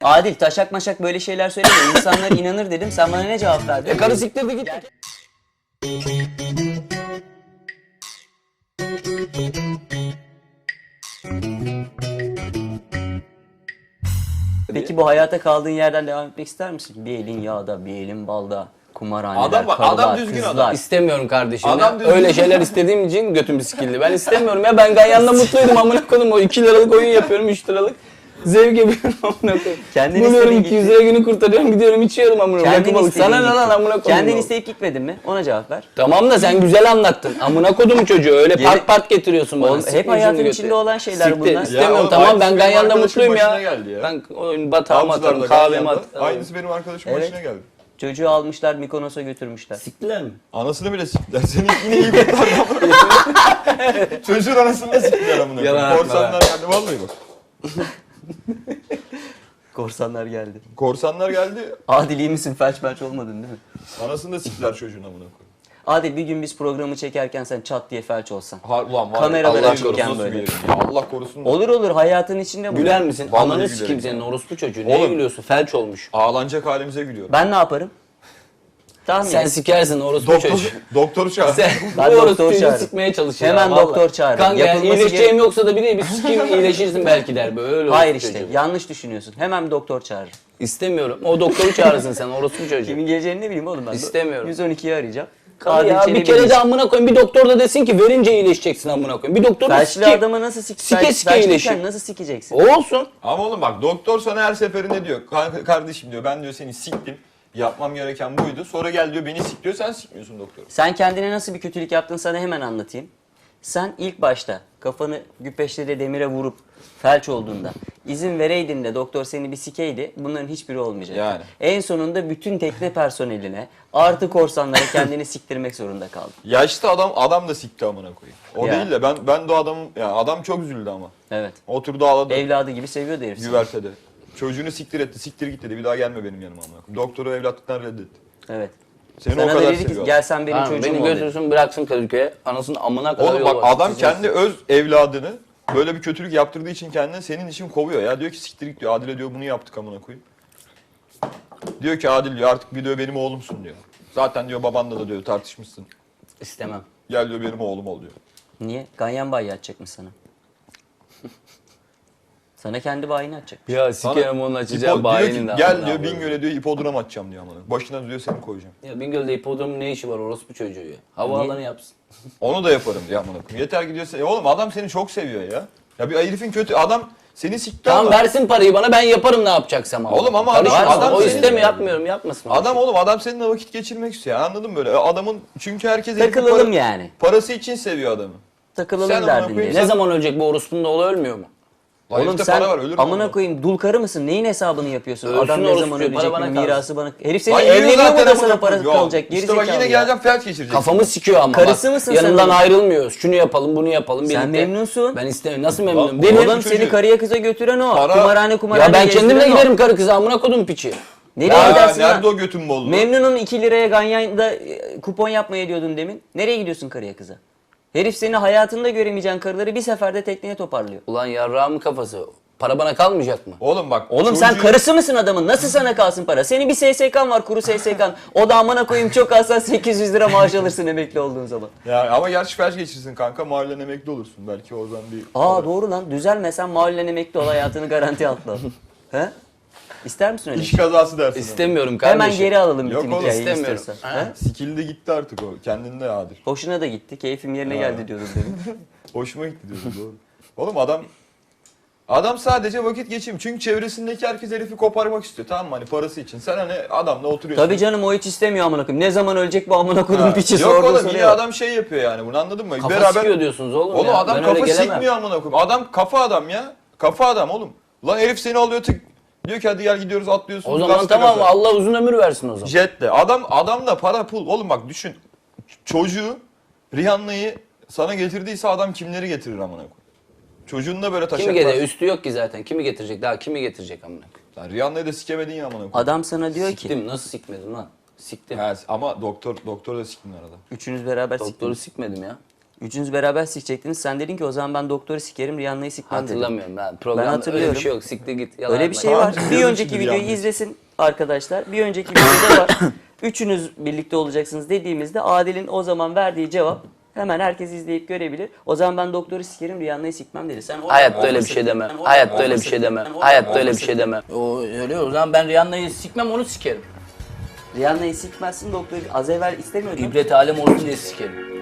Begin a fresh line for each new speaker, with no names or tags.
Adil taşak maşak böyle şeyler söyleme. İnsanlar inanır dedim. Sen bana ne cevap verdin?
Karı siktirdi git.
Peki bu hayata kaldığın yerden devam etmek ister misin? Bir elin yağda, bir elin balda. Kumarhaneler,
Adam bak,
karılar,
adam düzgün
kızlar.
adam.
İstemiyorum kardeşim.
Adam
Ya.
düzgün.
Öyle şeyler istediğim için götüm sikildi. Ben istemiyorum ya. Ben Ganyan'la mutluydum amına koydum. O 2 liralık oyun yapıyorum, 3 liralık. Zevk yapıyorum amına koyayım.
Kendin
Buluyorum
istediğin
200 lira günü kurtarıyorum, gidiyorum içiyorum amına koyayım.
Kendin
Rakı balık. Sana ne
istediğin
lan
gittin.
amına koyayım.
Kendin isteyip gitmedin mi? Ona cevap ver.
Tamam da sen güzel anlattın. Amına kodum çocuğu. Öyle
Geri-
part part getiriyorsun bana.
Oğlum,
Siktir
hep hayatın
yüzünü
içinde
götür.
olan şeyler
Siktir,
bunlar.
İstemiyorum
oğlum,
tamam ben
aynısı benim
Ganyan'la
arkadaşımın
mutluyum ya.
başına geldi ya.
Ben oyun batağıma atarım,
Avcılar'da,
kahvemi
Ganyan'da.
atarım.
Aynısı benim arkadaşımın
Evet.
başına geldi.
Çocuğu almışlar Mikonos'a götürmüşler.
Siktiler mi?
Anasını bile siktiler. Seni yine iyi kurtardı ama. Çocuğun anasını da siktiler amına
Yalan
koyayım.
atma
Korsanlar geldi vallahi bak.
Korsanlar geldi.
Korsanlar geldi.
Adil iyi misin? Felç belç olmadın değil mi?
Anasını da siktiler çocuğun amına koyayım.
Adil bir gün biz programı çekerken sen çat diye felç olsan.
Ulan var.
Kameralar
Allah
açıkken
korusun
böyle.
nasıl bir yerim ya. Allah korusun.
Olur olur hayatın içinde bu.
Güler misin?
Vallahi
Ananı
gülerim
sikeyim
ya.
senin orospu çocuğu. Neye
Oğlum.
gülüyorsun? Felç olmuş.
Ağlanacak halimize gülüyorum.
Ben ne yaparım? Tahmin
Sen
et.
sikersin orospu çocuğu.
Doktoru çağır.
Sen
Ben
bu
doktor
orospu çocuğu
çağırırım.
sikmeye çalışıyor.
Hemen
vallahi.
doktor çağırırım.
Kanka yani
Yapılması
iyileşeceğim yoksa da bir sikeyim iyileşirsin belki der böyle. Öyle
Hayır
orospu
işte
çocuğu.
yanlış düşünüyorsun. Hemen bir doktor çağırırım.
İstemiyorum. O doktoru çağırırsın sen orospu çocuğu.
Kimin geleceğini ne bileyim oğlum ben.
İstemiyorum.
112'yi arayacağım.
Kanka ya
Adil
bir
Çelebi
kere de amına koyayım bir doktor da desin ki verince iyileşeceksin amına koyayım. Bir doktor da
felçli
sikeyim.
adamı nasıl
Sike sike
felçliyken
iyileşir.
nasıl sikeceksin?
O olsun.
Ama oğlum bak doktor sana her seferinde diyor. Kardeşim diyor ben diyor seni siktim. Yapmam gereken buydu. Sonra gel diyor beni sik diyor. Sen sikmiyorsun doktor.
Sen kendine nasıl bir kötülük yaptın sana hemen anlatayım. Sen ilk başta kafanı güpeşleri demire vurup felç olduğunda izin vereydin de doktor seni bir sikeydi bunların hiçbiri olmayacak.
Yani.
En sonunda bütün tekne personeline artı korsanlara kendini siktirmek zorunda kaldın.
Yaşlı adam da sikti amına koyayım. O
Ya.
değil de ben de adamım ya adam çok üzüldü ama.
Evet.
Oturdu ağladı
Evladı gibi seviyordu herif seni.
güvertede. Çocuğunu siktir etti. Siktir git dedi. Bir daha gelme benim yanıma amına koyayım. Doktoru evlatlıktan reddetti.
Evet.
Seni
Sana
o
da
kadar
dedi ki
seviyor.
gel sen benim
Tamam,
çocuğum
beni
ol dedi.
götürsün bıraksın Kadıköy'e. Anasının amına kadar
Oğlum
yol
bak
var.
adam kendi öz evladını böyle bir kötülük yaptırdığı için kendini senin için kovuyor ya. Diyor ki siktir git diyor. Adil'e diyor bunu yaptık amına koyayım. Diyor ki Adil diyor artık bir diyor benim oğlumsun diyor. Zaten diyor babanla da diyor tartışmışsın.
İstemem.
Gel diyor benim oğlum ol diyor.
Niye? Ganyan bayi atacakmış sana. Sana kendi bayini atacak.
Ya sikerim onun açacağı
diyor
bayinin
ki
de.
gel
amına
diyor
koyayım.
Bingöl'e diyor hipodrom atacağım diyor amına. Başına diyor seni koyacağım.
Ya Bingöl'de hipodromun ne işi var orospu çocuğu ya? Havaalanı yapsın.
Onu da yaparım diyor amına koyayım. Yeter ki diyor oğlum adam seni çok seviyor ya. Ya bir herifin kötü adam seni sikti
Tamam
ama.
versin parayı bana ben yaparım ne yapacaksam ama.
Oğlum ama
Karışma,
adam
o
senin-
istemiyor yapmıyorum yapmasın.
Adam seninle vakit geçirmek istiyor. Anladın mı böyle? Adamın çünkü herkes herifin
Takılalım yani.
parası için seviyor adamı.
Takılalım
Sen amına
derdindeyiz.
koyayım,
Ne zaman ölecek bu orospunun da oğlu ölmüyor mu?
Oğlum
Herifte
sen
para var, ölür mü
amına
ama?
koyayım dul karı mısın? Neyin hesabını yapıyorsun?
Ölsün
Adam ne
orospu
zaman
çocuğu, para
ölecek?
bana
mi,
kalsın.
mirası bana... Herif seni
Ay,
evleniyor mu da
zaten
sana
amına
parası
koyayım.
kalacak? Geri
İşte bak
zekalı
yine
ya.
geleceğim felç geçirecek.
Kafamı sikiyor ama
Karısı
bak.
mısın sen
Yanından
onun?
ayrılmıyoruz. Şunu yapalım bunu yapalım
Sen
birlikte.
memnunsun.
Ben istemiyorum. Nasıl memnunum?
Oğlum,
Deli.
Oğlum
çocuğu.
seni karıya kıza götüren o.
Para-
Kumarhane
Ya ben kendimle
gezdiren o.
giderim karı kıza amına kodum piçi.
Nereye
Ya
gidersin
nerede
lan?
o götün bolluğu?
Memnun'un 2 liraya Ganyan'da kupon yapmaya diyordun demin. Nereye gidiyorsun karıya kıza? Herif seni hayatında göremeyeceğin karıları bir seferde tekneye toparlıyor.
Ulan yarrağımın kafası. Para bana kalmayacak mı?
Oğlum bak.
Oğlum sen
çocuğu-
karısı mısın adamın? Nasıl sana kalsın para? Senin bir SSK'n var, kuru SSK'n. O da amına koyayım çok alsan 800 lira maaş alırsın emekli olduğun zaman.
Ya ama gerçi felç geçirsin kanka. Mahallen emekli olursun. Belki o zaman bir...
Aa doğru lan. Düzelmesen mahallen emekli ol, hayatını garanti altına al. He? İster misin öyle?
İş kazası dersin.
İstemiyorum kardeşim.
Hemen geri alalım
Yok
bütün
oğlum,
hikayeyi
istemiyorum.
istiyorsan.
Ha?
He?
Sikildi gitti artık o. Kendinde Adil.
Hoşuna da gitti. Keyfim yerine geldi diyordum demin.
Hoşuma gitti diyorsun doğru. Oğlum adam sadece vakit geçirmiyor. Çünkü çevresindeki herkes herifi koparmak istiyor. Tamam mı? Hani parası için. Sen hani adamla oturuyorsun.
Tabii canım o hiç istemiyor amına koyayım. Ne zaman ölecek bu amına koyduğum
Ha.
piçi
Yok
sorduğu
oğlum
soruya
yine
bak.
adam şey yapıyor yani. Bunu anladın mı?
Kafa sikiyor diyorsunuz oğlum
Oğlum
ya.
adam
Ben öyle
kafa
gelemem.
sikmiyor amına koyayım. Adam kafa adam ya. Kafa adam oğlum. Lan herif seni alıyor tık. Diyor ki hadi gel gidiyoruz atlıyorsun.
O zaman
gaz
tamam
gaza.
Allah uzun ömür versin o zaman.
Jetle. Adam da para pul. Oğlum bak düşün. Çocuğu Rihanna'yı sana getirdiyse adam kimleri getirir amına koyayım. Çocuğun da böyle taşak
Kimi
var.
getiriyor? Üstü yok ki zaten. Kimi getirecek? Daha kimi getirecek amına koyayım?
Lan Rihanna'yı da sikemedin ya amına koyayım.
Adam sana diyor ki
Siktim. Nasıl sikmedim lan? Siktim.
Ha, ama doktor da siktin arada.
üçünüz beraber
Doktoru
siktiniz.
sikmedim ya.
Üçünüz beraber sikecektiniz. Sen dedin ki o zaman ben doktoru sikerim, Rihanna'yı sikmem dedin.
Hatırlamıyorum ben. Programda öyle
hatırlıyorum.
bir şey yok. Siktir git. Yalan
Öyle bir
yapma.
şey
Tamam,
var. Bir
biliyorum
önceki
şimdi
videoyu
Rihanna'yı.
izlesin arkadaşlar. Bir önceki videoda var. Üçünüz birlikte olacaksınız dediğimizde Adil'in o zaman verdiği cevap hemen herkes izleyip görebilir. O zaman ben doktoru sikerim, Rihanna'yı sikmem dedi. Sen orada
Hayatta öyle bir
olmasın.
şey deme.
Sen orada
Hayatta öyle bir
olmasın.
şey deme.
Sen orada
Hayatta öyle bir
olmasın.
şey deme. O öyle o zaman ben Rihanna'yı sikmem onu sikerim.
Rihanna'yı sikmezsin, doktoru az evvel istemiyordun.
İbret alem olsun diye sikerim.